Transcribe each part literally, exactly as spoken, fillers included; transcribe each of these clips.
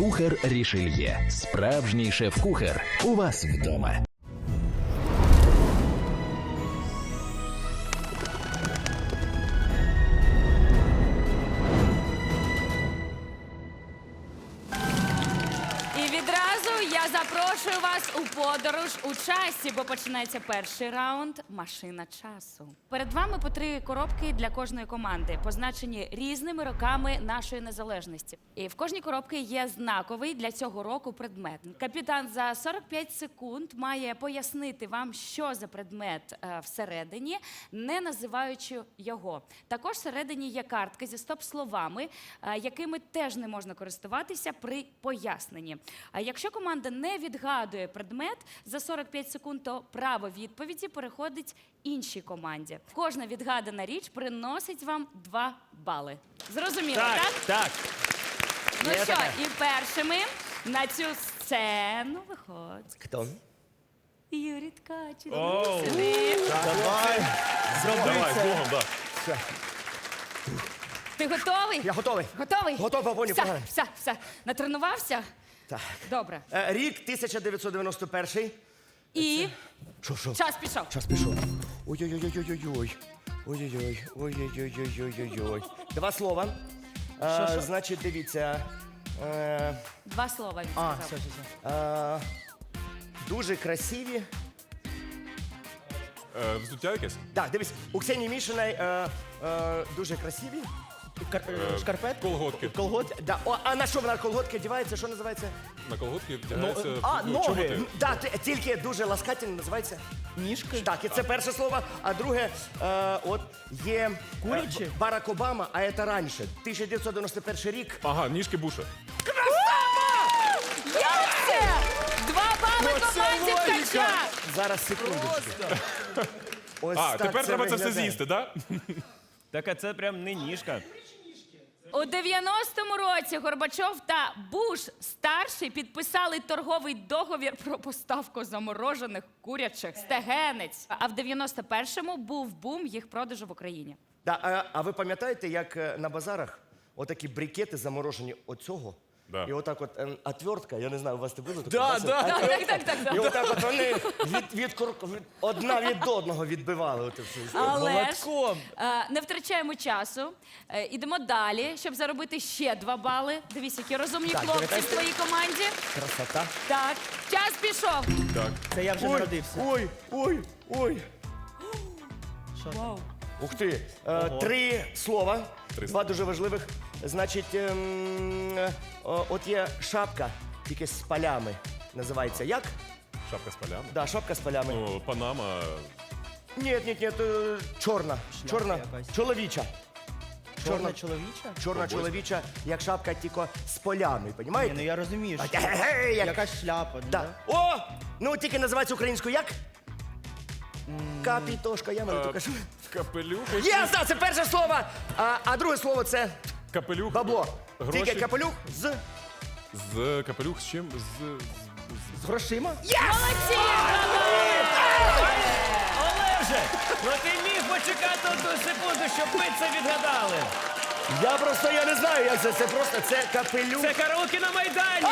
Кухар Рішельє. Справжній шеф-кухар. У вас вдома. І відразу я запрошую вас у подорож у часі, бо починається перший раунд «Машина часу». Перед вами по три коробки для кожної команди, позначені різними роками нашої незалежності. І в кожній коробці є знаковий для цього року предмет. Капітан за сорок п'ять секунд має пояснити вам, що за предмет е, всередині, не називаючи його. Також всередині є картки зі стоп-словами, е, якими теж не можна користуватися при поясненні. А якщо команда не відгадує предмет за сорок п'ять секунд, то право відповіді переходить іншій команді. Кожна відгадана річ приносить вам два бали. Зрозуміло, так? Так, так. Ну Є що, таке. і першими на цю сцену виходить Хто? Юрій Ткач. Оу. Сюди. Давай. Зроби Давай, з це. Богом, да. Все. Ти готовий? Я готовий. Готовий? Готовий, Бонні, Все, погнали. все, все. Натренувався? Так. Добре. Е, Рік тисяча дев'ятсот дев'яносто перший. І Що, що? час пішов. Час пішов. Ой-ой-ой-ой-ой-ой. Ой-ой-ой. Ой-ой-ой-ой-ой-ой. Два слова. Е, Значить, дивіться. Е, Два слова він А, сказав. все, все, все. е, Дуже красиві. Е, Взуття якесь? Так, дивись, у Ксенії Мішиної е, е, дуже красиві. Кар... е, Шкарпетки? Колготки. Колготки. Да. О, а на що вона колготки одягається? Що називається? На колготки вдягається Ну, а, ну, ноги. чоботи. Да, т- тільки дуже ласкательно називається. Ніжки? Так, і це перше слово. А друге, е, от є Курячі? е, Б- Барак Обама, а це раніше. тисяча дев'ятсот дев'яносто перший рік. Ага, ніжки Буша. Як це? Два бали Оце команді логіка. Ткача. Зараз, секундочку. Ось А, так тепер треба це все виглядає. з'їсти, так? Так, а це прям не ніжка. У дев'яностому році Горбачов та Буш старший підписали торговий договір про поставку заморожених курячих стегенець. А в дев'яносто першому був бум їх продажу в Україні. Да, а, а ви пам'ятаєте, як е, на базарах отакі брикети заморожені оцього? Да. І отак от ем, отвертка, я не знаю, у вас це було таке? Да, Бачите? да. Так, так, так, так. І отак от вони від, від, кур- від, одна від одного відбивали. Оце все. Але ж Молотком. е, не втрачаємо часу. Е, Ідемо далі, щоб заробити ще два бали. Дивись, які розумні Так, хлопці в давайте. твоїй команді. Красота. Так, час пішов. Так. Це я вже Ой, народився. ой, ой, ой. Вау. Ух ти. Е, три слова, Три два дуже важливих. Значить, ем, е, о, от є шапка, тільки з полями. Називається як? Шапка з полями. Да, шапка з полями. О, Панама. Ні, ні, ні, е, чорна. Чорна, якась. чоловіча. Чорна чоловіча? Чорна чоловіча, як шапка, тільки з полями, Ні, розумієте? ну я розумію. що Ге-ге-ге, як... Якась шляпа, ну, Да. да? О! Ну, тільки називається українською як? Капітошка, я Е, навіть кажу. Капелюх. Є, да, це перше слово, а, а друге слово це Капелюх. бабло. Гроші. Тільки капелюх з, З капелюх з чим? З... з грошима. Молодці! Олеже, ну ти міг почекати одну секунду, щоб ми це відгадали. Я просто, я не знаю, як це, це просто, це капелюх. Це караоке на Майдані.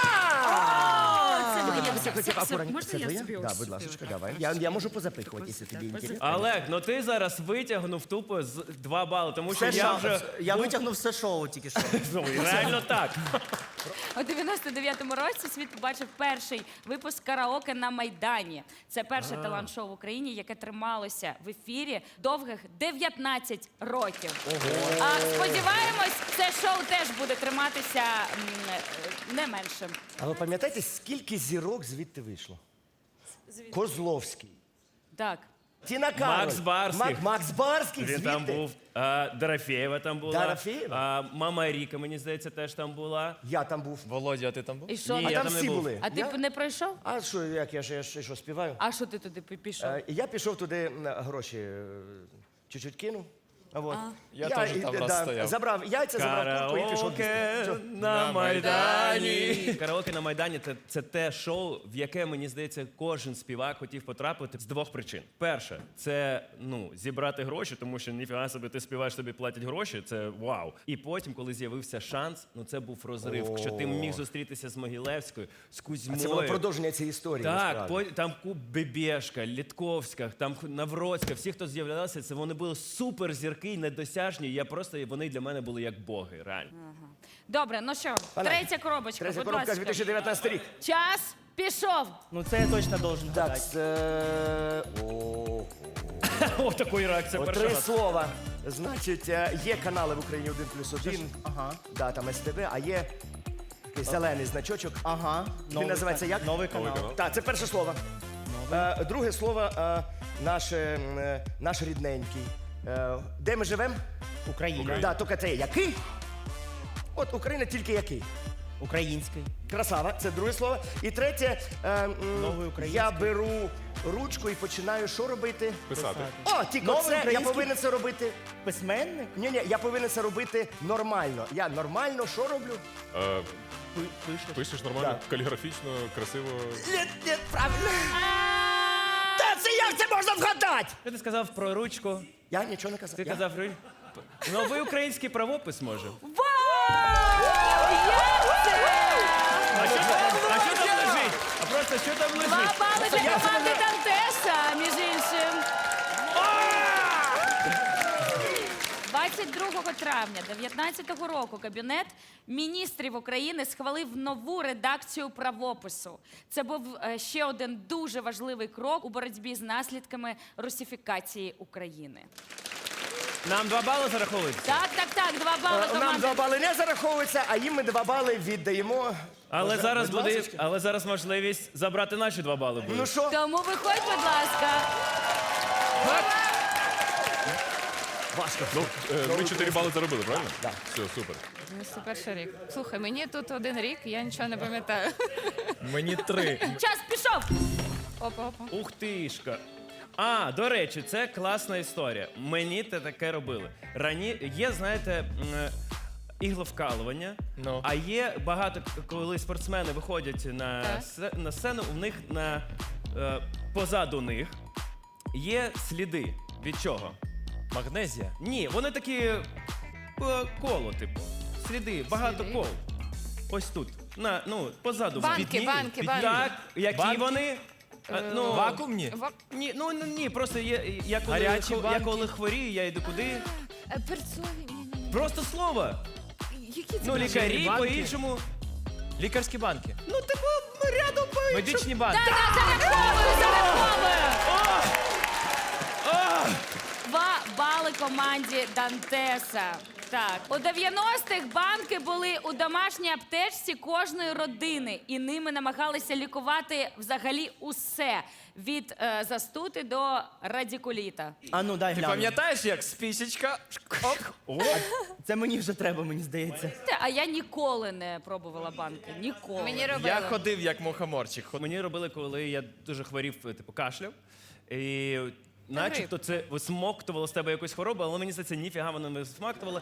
Це моє. Це хотів Все, акуратно. можна Це я твоє? собі Да, ось будь собі ласка, ось давай. Я, я можу позапихувати, якщо тобі інтересно. Олег, ну ти зараз витягнув тупо з два бали, тому що Все я шоу. вже Я витягнув все шоу тільки що. ну, реально так. У дев'яносто дев'ятому році світ побачив перший випуск караоке на Майдані. Це перше талант-шоу в Україні, яке трималося в ефірі довгих дев'ятнадцять років. А сподіваємось, це шоу теж буде триматися м, не менше. А ви пам'ятаєте, скільки зірок звідти вийшло? Козловський. Так. Тіна Кароль. Макс Барських. Мак- Макс Барський Він звідти. там був. А, Дорофєєва там була. Дорофєєва? А, Мама Ріка, мені здається, теж там була. Я там був. Володя, а ти там був? І що? Ні, А я там там не всі був. були. А ти Я- б не пройшов? А що, як я ж я ж- що, співаю? А що ти туди пі- пішов? Е, Я пішов туди м, гроші е, чуть-чуть кинув. А вот. Я теж і- там да, раз стояв. Забрав яйця, забрав куртку і пішов Караоке їсти. Що? на Майдані. Караоке на Майдані це, це те шоу, в яке, мені здається, кожен співак хотів потрапити з двох причин. Перше, це ну, зібрати гроші, тому що ніфіга собі ти співаєш, тобі платять гроші, це вау. І потім, коли з'явився шанс, ну це був розрив, що ти міг зустрітися з Могилевською, з Кузьмою. Це було продовження цієї історії. Так, насправді. по, там Куб Бебешка, Літковська, там Навроцька, всі, хто з'являлися, це вони були суперзірки, недосяжні. Я просто вони для мене були як боги, реально. Добре, ну що, Пане, третя коробочка, Третя будь коробка ласка. дві тисячі дев'ятнадцятий рік. Час пішов. Ну це я точно должен Так, гадати. це... О, О, такої реакції О, перший три раз. слова. Значить, е, є канали в Україні один плюс один. Ага. Да, там ес те ве, а є такий зелений значочок. Ага. Він називається як? Новий канал. канал. Так, це перше слово. Е, друге слово е, наш, е, м, наш рідненький. Е, де ми живемо? Україна. Да, тільки це який? От Україна тільки який? Український. Красава, це друге слово. І третє, е, м, Новий український. я беру ручку і починаю що робити? Писати. О, тільки Новий це я український? повинен це робити. Письменник? Ні, ні, я повинен це робити нормально. Я нормально що роблю? Е, Пишеш. Пишеш нормально, каліграфічно, красиво. Ні, ні, правильно. Та це як це можна вгадати? Що ти сказав про ручку? Я нічого не казав. Ти Я- казав ру- новий український правопис може. А що там, а що там лежить? А просто що там Два лежить? бали для команди Дантеса, між іншим. двадцять другого травня дев'ятнадцятого року Кабінет міністрів України схвалив нову редакцію правопису. Це був е, ще один дуже важливий крок у боротьбі з наслідками русифікації України. Нам два бали зараховують. Так, так, так, два бали Е, Нам команди. два бали не зараховуються, а їм ми два бали віддаємо. Але Можна, зараз будь буде, ласочка? але зараз можливість забрати наші два бали буде. Ну що? Тому виходь, будь ласка. Важко. Ну, е, ми чотири бали заробили, правильно? Да. Все, супер. Це перший рік. Слухай, мені тут один рік, я нічого не пам'ятаю. Мені три. Час пішов. Опа, опа. Ух тишка. А, до речі, це класна історія. Мені те таке робили. Рані... Є, знаєте, м, ігловкалування, Ну. а є багато, коли спортсмени виходять на, Так. се- на сцену, у них на, е, позаду них є сліди. Від чого? Магнезія. Ні, вони такі е, коло, типу. Сліди, багато Сліди? кол. Ось тут. На, ну, позаду. Банки, Відні- банки, від- банки. Так, які Банки? вони? Е, ну, Вакуумні? Ва- ні, ну ні, ні, просто є, я коли, Гарячі хо- я банки? коли хворію, я йду куди? Е, Перцові. Ні-ні-ні. Просто слово. Які це? Ну, лікарі банки? по-іншому. Лікарські банки. Ну, типу, рядом по-іншому. Медичні банки. Зараховую, зараховую. Два бали команді Дантеса. Так, у дев'яностих банки були у домашній аптечці кожної родини, і ними намагалися лікувати взагалі усе від е, застути до радикуліта. А ну, дай Ти гляну. пам'ятаєш, як спісічка? Оп. Це мені вже треба, мені здається. Те, А я ніколи не пробувала банки. Ніколи. Мені робили. Я ходив як мухоморчик. Мені робили, коли я дуже хворів, типу, кашляв. І начебто це висмоктувало з тебе якусь хворобу, але мені здається, ніфіга воно не висмоктувало.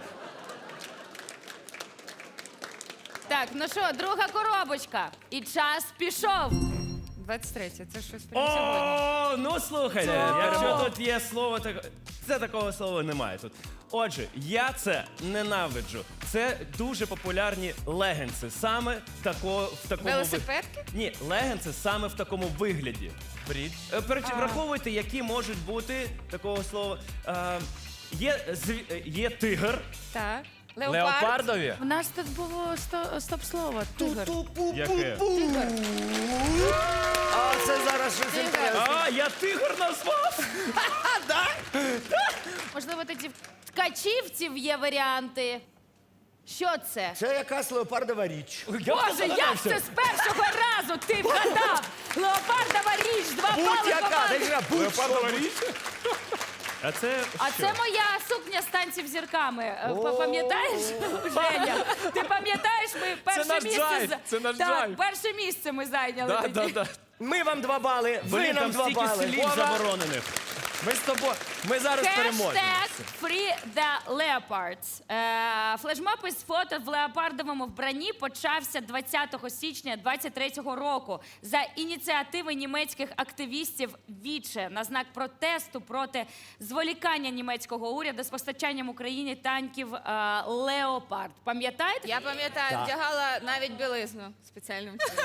Так, ну що, друга коробочка. І час пішов. двадцять третє, це щось прямо сьогодні. О, ну слухайте, якщо тут є слово, так це такого слова немає тут. Отже, я це ненавиджу. Це дуже популярні легенси. Саме тако, в такому ви- Велосипедки? Ні, легенси саме в такому вигляді. Брід. Е, переч- Враховуйте, які можуть бути такого слова. Е, є, зві- е, є тигр. Так. Леопард. Леопардові? У нас тут було сто- стоп-слово. Тигр. Яке? А це зараз щось інтересне. А, я тигр назвав! Можливо, тоді в ткачівців є варіанти. Що це? Це якась леопардова річ. Боже, як це з першого разу ти вгадав? Леопардова річ, два бали Будь-яка, команди. дивіться, будь-що. А це А що? це моя сукня з танців зірками. Е, па- Пам'ятаєш, Женя? Ти пам'ятаєш, ми перше наш місце драйв, за- це наш так, драйв. перше місце ми зайняли Да, тоді. да, да. Ми вам два бали, ви Блін, нам там два стільки бали. слів Вова, заборонених. Ми з тобою. Ми зараз переможемо. Хештег Free the Leopards. Е, флешмоб із фото в леопардовому вбранні почався двадцятого січня двадцять третього року за ініціативи німецьких активістів Віче на знак протесту проти зволікання німецького уряду з постачанням Україні танків е, Леопард. Пам'ятаєте? Я пам'ятаю, вдягала навіть білизну спеціальним чином.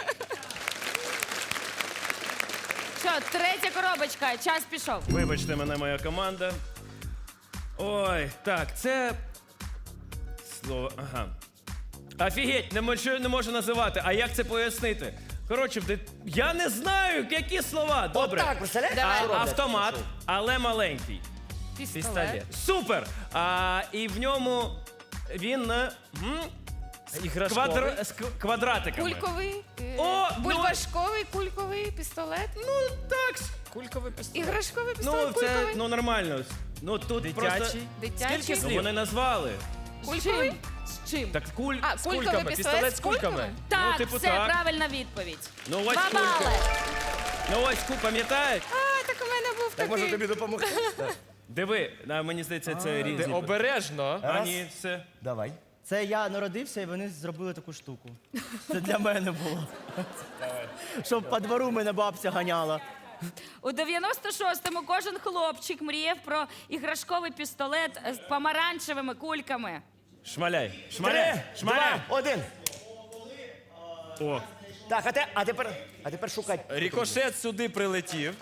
Що, третя коробочка, час пішов. Вибачте мене, моя команда. Ой, так, це. Слово. Ага. Офігеть, не можу, не можу називати. А як це пояснити? Коротше, в дит- я не знаю, які слова. Добре. Отак, представляєте? А, що роблять? автомат, але маленький. Пістолет. Супер! А, і в ньому він е, м, Іграшковий. квадр... з к- квадратиками. Кульковий. е, О, ну- Бульбашковий, кульковий пістолет. Ну, так. с- Кульковий пістолет. Іграшковий Ну, пістолет, це кульковий. ну, нормально. Ну, тут просто... Дитячий. Дитячий. Скільки Ну, слів? вони назвали. Кульковий. З чим? Так куль... А, кульковий кульками, пістолет пістолет з з кульками. кульками? Так, ну, типу це так. правильна відповідь. Ну, ось Два кулька. бали. Ну, ось ку, пам'ятаєш? А, так у мене був Так може такий. тобі допомогти? Диви, а, мені здається, це Ти різні. обережно. А, ні, це... Давай. Це я народився, і вони зробили таку штуку. Це для мене було. Щоб по двору мене бабця ганяла. У дев'яносто шостому кожен хлопчик мріяв про іграшковий пістолет з помаранчевими кульками. Шмаляй, Три, шмаляй, шмаляй. два, один. О, Так, а, те, а тепер, а тепер шукай. Рікошет сюди прилетів.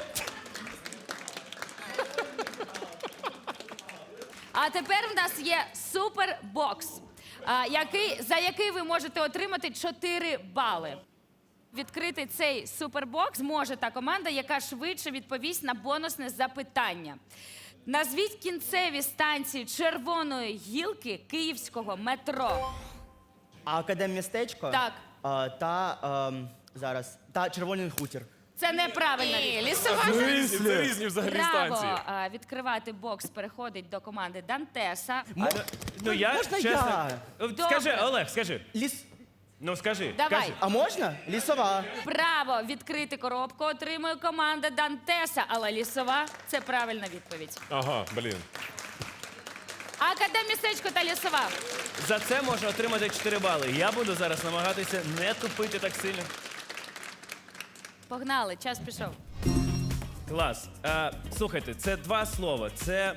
А тепер в нас є супербокс, а, який, за який ви можете отримати чотири бали. Відкрити цей супербокс зможе та команда, яка швидше відповість на бонусне запитання. Назвіть кінцеві станції червоної гілки київського метро. А академмістечко? Так. А, та ем, зараз. Та червоний хутір. Це неправильна Ні, відповідь. лісова. Це різні взагалі Право станції. а, відкривати бокс переходить до команди Дантеса. ну я, можна чесно... я? От Добре. Скажи, Олег, скажи. Ліс. Ну, скажи. Давай. Кажи. А можна? Лісова. Право відкрити коробку отримує команда Дантеса, але лісова це правильна відповідь. Ага, блін. Академмістечко та лісова. За це можна отримати чотири бали. Я буду зараз намагатися не тупити так сильно. Погнали, час пішов. Клас. А, слухайте, це два слова. Це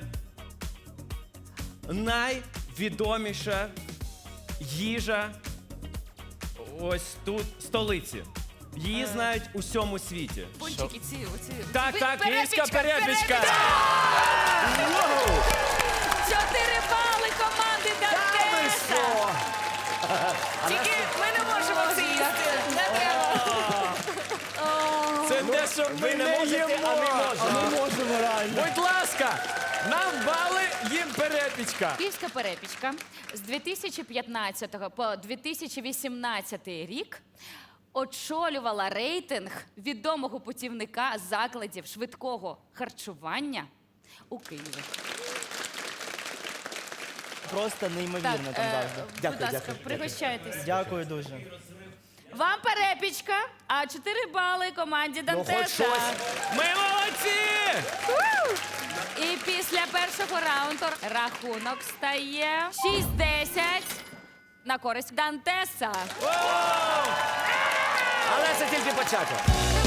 найвідоміша їжа ось тут, столиці. Її знають у всьому світі. Пончики ці, оці. Так, так, Київська перепічка. Чотири бали команди Дантеса. Тільки ми не можемо це їсти. Не треба. Це те, що ми Ви не не можете, їмо. а ми можемо. Ми можемо реально. Будь ласка, нам бали, їм перепічка. Київська перепічка з дві тисячі п'ятнадцятого по дві тисячі вісімнадцятий рік очолювала рейтинг відомого путівника закладів швидкого харчування у Києві. Просто неймовірно Так, там е, завжди. будь Дякую, ласка, дякую, пригощайтесь. Дякую дуже. Вам перепічка, а чотири бали команді Ну, хоч Дантеса. щось. Ми молодці! І після першого раунду рахунок стає шість десять на користь Дантеса. Але це тільки початок.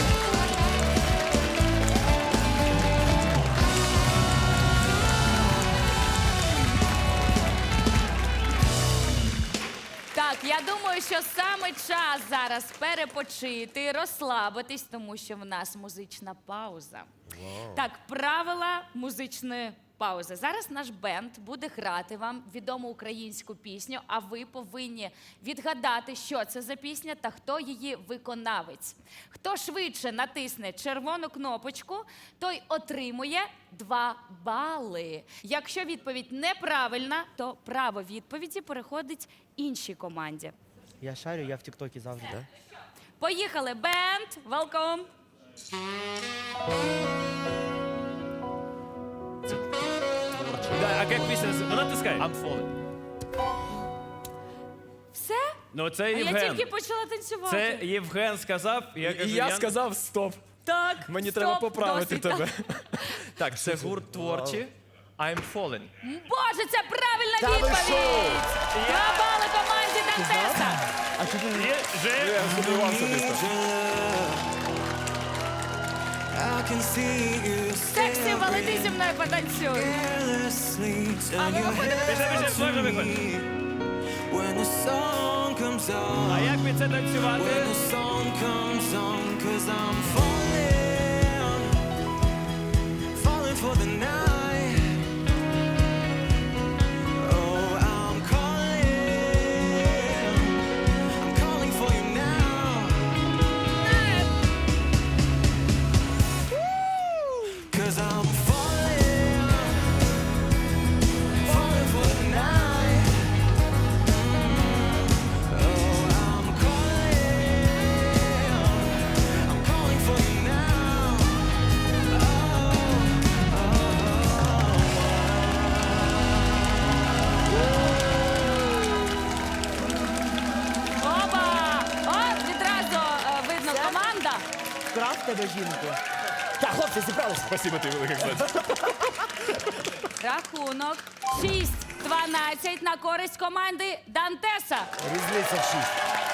Так, я думаю, що саме час зараз перепочити, розслабитись, тому що в нас музична пауза. Так, правила музичної паузи. Зараз наш бенд буде грати вам відому українську пісню, а ви повинні відгадати, що це за пісня та хто її виконавець. Хто швидше натисне червону кнопочку, той отримує два бали. Якщо відповідь неправильна, то право відповіді переходить іншій команді. Я шарю, я в Тіктокі завжди. Поїхали, бенд! Welcome! Да, а як пісня? Вона тискає. I'm falling. Все? Ну, це А я Євген. тільки почала танцювати. Це Євген сказав. Я І кажу, я сказав стоп. Так, Мені стоп, треба поправити досить. тебе. Так, це гурт творчі. I'm falling. Боже, це правильна Та ви відповідь! що? Два бали команді Дантеса. А що ти? Є, Жень? Я сумнівався дійсно. Сексі, валити зі мною потанцюй. А ми виходимо. Біжи, біжи, можна виходити. А як під це танцювати? Оба! О, відразу е, видно команда. Вкрав тебе жінку. Так, хлопці, зібралися. Спасибо тобі велике, кстати. Рахунок шість дванадцять на користь команди Дантеса. Різниця в шість.